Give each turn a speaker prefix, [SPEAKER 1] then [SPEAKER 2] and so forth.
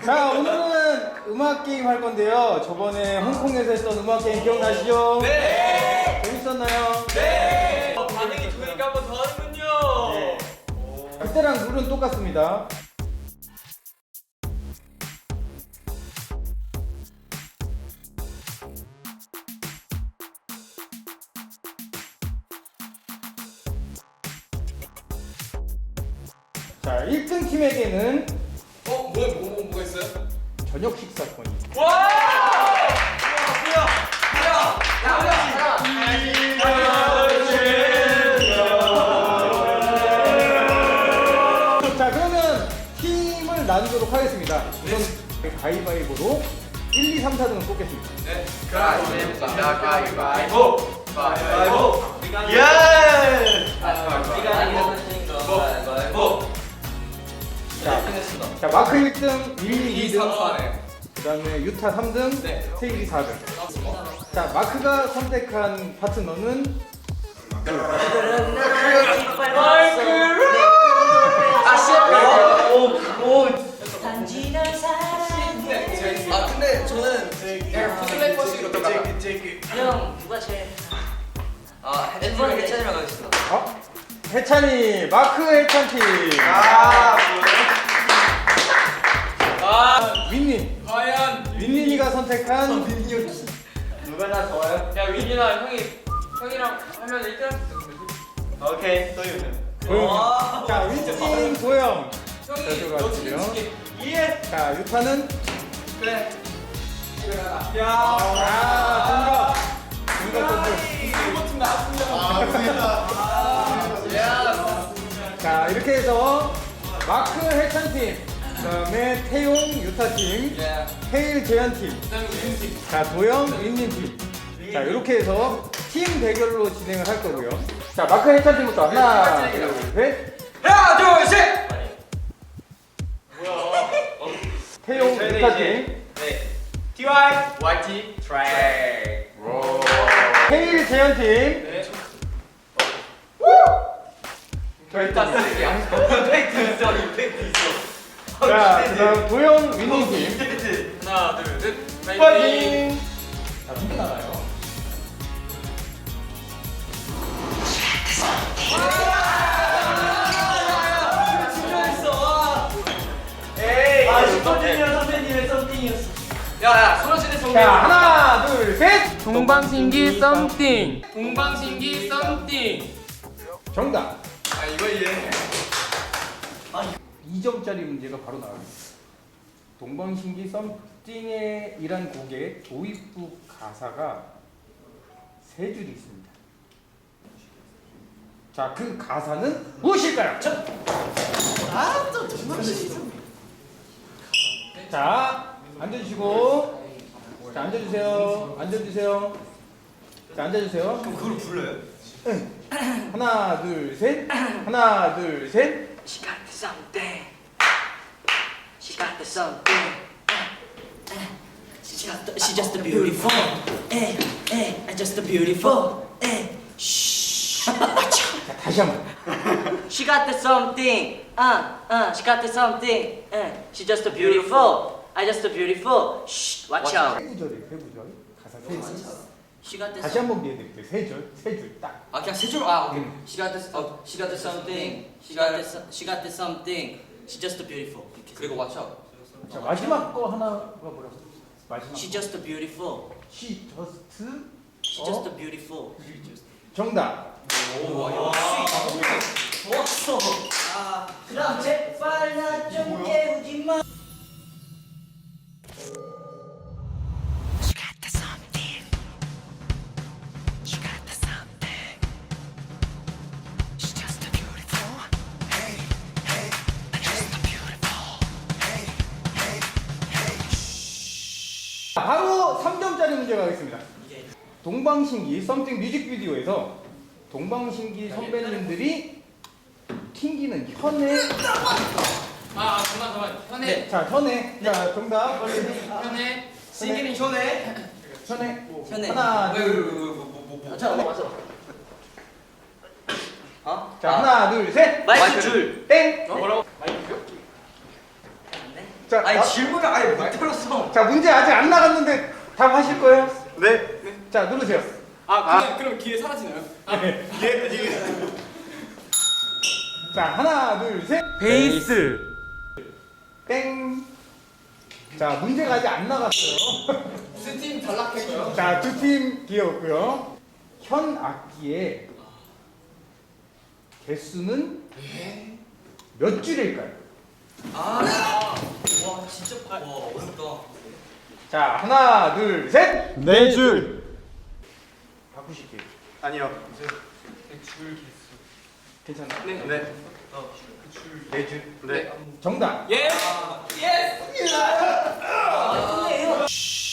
[SPEAKER 1] 자, 오늘은 음악 게임 할 건데요. 저번에 홍콩에서 했던 음악 게임 기억나시죠?
[SPEAKER 2] 네.
[SPEAKER 1] 재밌었나요?
[SPEAKER 2] 네. 반응이 좋으니까 한 번 더 하는군요.
[SPEAKER 1] 네. 그때랑 룰은 똑같습니다. 자, 1등 팀에게는
[SPEAKER 2] 뭐가 있어요?
[SPEAKER 1] 저녁 식사권이.
[SPEAKER 2] 와!
[SPEAKER 1] 자, 그러면 팀을 나누도록 하겠습니다. 우선 가위바위보로 1, 2, 3, 4등을 뽑겠습니다.
[SPEAKER 2] 네. 가위바위보. 가위바위보.
[SPEAKER 3] 예!
[SPEAKER 2] 가위바위보.
[SPEAKER 1] 자, 마크 1등, 윌리 2등,
[SPEAKER 2] 3등.
[SPEAKER 1] 그 다음에 유타 3등,
[SPEAKER 2] 네.
[SPEAKER 1] 테일이 4등. 자, 마크가 선택한 파트너는
[SPEAKER 2] 아 근데 저는 플래퍼스 이렇게 가자.
[SPEAKER 4] 형 누가 제일
[SPEAKER 2] 아 해찬이랑 해찬이랑 가겠습니다.
[SPEAKER 1] 해찬이, 마크 해찬 팀. 윈님,
[SPEAKER 2] 과연
[SPEAKER 1] 윈님이가 선택한
[SPEAKER 3] 누가 나 좋아요?
[SPEAKER 2] 야 윈이나 형이랑 하면 1등 할수 있어.
[SPEAKER 3] 오케이, 또 이거는.
[SPEAKER 1] 도영. 자, 윈님, 도영.
[SPEAKER 2] 형이
[SPEAKER 1] 너
[SPEAKER 2] 너
[SPEAKER 1] 지금
[SPEAKER 2] 지금
[SPEAKER 3] 예!
[SPEAKER 1] 자, 유타는
[SPEAKER 2] 그래.
[SPEAKER 1] 정답. 정답 자, 이렇게 해서 마크 해찬 팀, 그다음에 태용 유타 팀, 헤일 재현 팀, 자, 도영 윈님 팀. 자, 이렇게 해서 팀 대결로 진행을 할 거고요. 자, 마크 해찬 팀부터 하나, 둘, 셋.
[SPEAKER 2] 하나 둘 셋.
[SPEAKER 1] 태용 유타 팀,
[SPEAKER 3] TY, YT, 트랙.
[SPEAKER 1] 헤일 재현 팀.
[SPEAKER 3] 임팩트 있어, 임팩트 있어.
[SPEAKER 1] 자, 그다음 도영 윈님 팀.
[SPEAKER 2] 하나 둘 셋.
[SPEAKER 1] 파이팅! 자, 누구 나가요?
[SPEAKER 3] 에이,
[SPEAKER 4] 선생님의 썸띵이었어.
[SPEAKER 2] 야야 소녀시대 성대.
[SPEAKER 1] 자, 하나, 둘, 셋!
[SPEAKER 5] 동방신기 썸띵. 동방신기 썸띵.
[SPEAKER 1] 정답!
[SPEAKER 2] 아 이거 이해.
[SPEAKER 1] 2점짜리 문제가 바로 나옵니다. 동방신기 썸띵의 이란 곡의 도입부 가사가 세 줄이 있습니다. 자, 그 가사는 무엇일까요? 자, 앉아주시고. 자, 앉아주세요. 앉아주세요. 자, 앉아주세요.
[SPEAKER 3] 그럼 그걸 불러요?
[SPEAKER 1] 하나, 둘, 셋. 하나, 둘, 셋.
[SPEAKER 4] She got the something. She got the something. She just a beautiful. I just a beautiful. Shh.
[SPEAKER 1] 자, 다시 한 번.
[SPEAKER 4] She got the something. She got the something. She just a beautiful. I just a beautiful. Shh. Watch out.
[SPEAKER 1] 세 구절이에요, 세 구절. 가사 세 줄.
[SPEAKER 4] She got the
[SPEAKER 1] 다시 한 번 기회 드릴게요. 세 줄, 세 줄 딱.
[SPEAKER 2] 아 그냥 세 줄. 아 오케이.
[SPEAKER 4] She got the she got the something. She got the something. She just a beautiful.
[SPEAKER 2] 그리고 watch out.
[SPEAKER 1] 자, 마지막 거 하나가 뭐라고? 마지막.
[SPEAKER 4] She just a beautiful.
[SPEAKER 1] She just.
[SPEAKER 4] She just a beautiful.
[SPEAKER 1] 정답.
[SPEAKER 4] 좋았어. 그럼 제발 나 좀 깨우지 마. She got the something. She got the something. She's just a beautiful. Hey, hey, just a beautiful. Hey, hey, hey.
[SPEAKER 1] 바로 3점짜리 문제 가겠습니다. 동방신기 썸띵 뮤직비디오에서 동방신기 선배님들이 튕기는 현에.
[SPEAKER 5] 아, 잠깐만. 현애.
[SPEAKER 1] 자, 현에. 자, 정답.
[SPEAKER 5] 현애.
[SPEAKER 2] 신기는 현해.
[SPEAKER 1] 현에.
[SPEAKER 4] 현애.
[SPEAKER 1] 하나, 둘.
[SPEAKER 2] 뭐.
[SPEAKER 4] 잠깐만 맞아.
[SPEAKER 1] 자, 하나, 둘, 셋.
[SPEAKER 4] 마이크 줄.
[SPEAKER 1] 땡.
[SPEAKER 2] 뭐라고?
[SPEAKER 1] 자, 자,
[SPEAKER 3] 아니 질문을 아예 못 들었어.
[SPEAKER 1] 자, 문제 아직 안 나갔는데 답하실 거예요?
[SPEAKER 3] 네.
[SPEAKER 1] 자, 누르세요.
[SPEAKER 5] 그럼 기회 사라지나요?
[SPEAKER 1] 자, 하나, 둘, 셋.
[SPEAKER 5] 베이스.
[SPEAKER 1] 땡. 자, 문제가 아직 안 나갔어요.
[SPEAKER 5] 스팀 탈락했고요.
[SPEAKER 1] 자, 두 팀 기회였고요. 현 악기의 개수는 몇 줄일까요?
[SPEAKER 3] 와 진짜 와 어렵다.
[SPEAKER 1] 자, 하나, 둘, 셋.
[SPEAKER 6] 네 줄.
[SPEAKER 1] 바꾸실게요.
[SPEAKER 3] 아니요.
[SPEAKER 1] 괜찮아요?
[SPEAKER 5] 네.
[SPEAKER 3] 네.
[SPEAKER 1] 네 줄.
[SPEAKER 3] 네.
[SPEAKER 1] 정답.
[SPEAKER 5] 예.
[SPEAKER 3] 예스.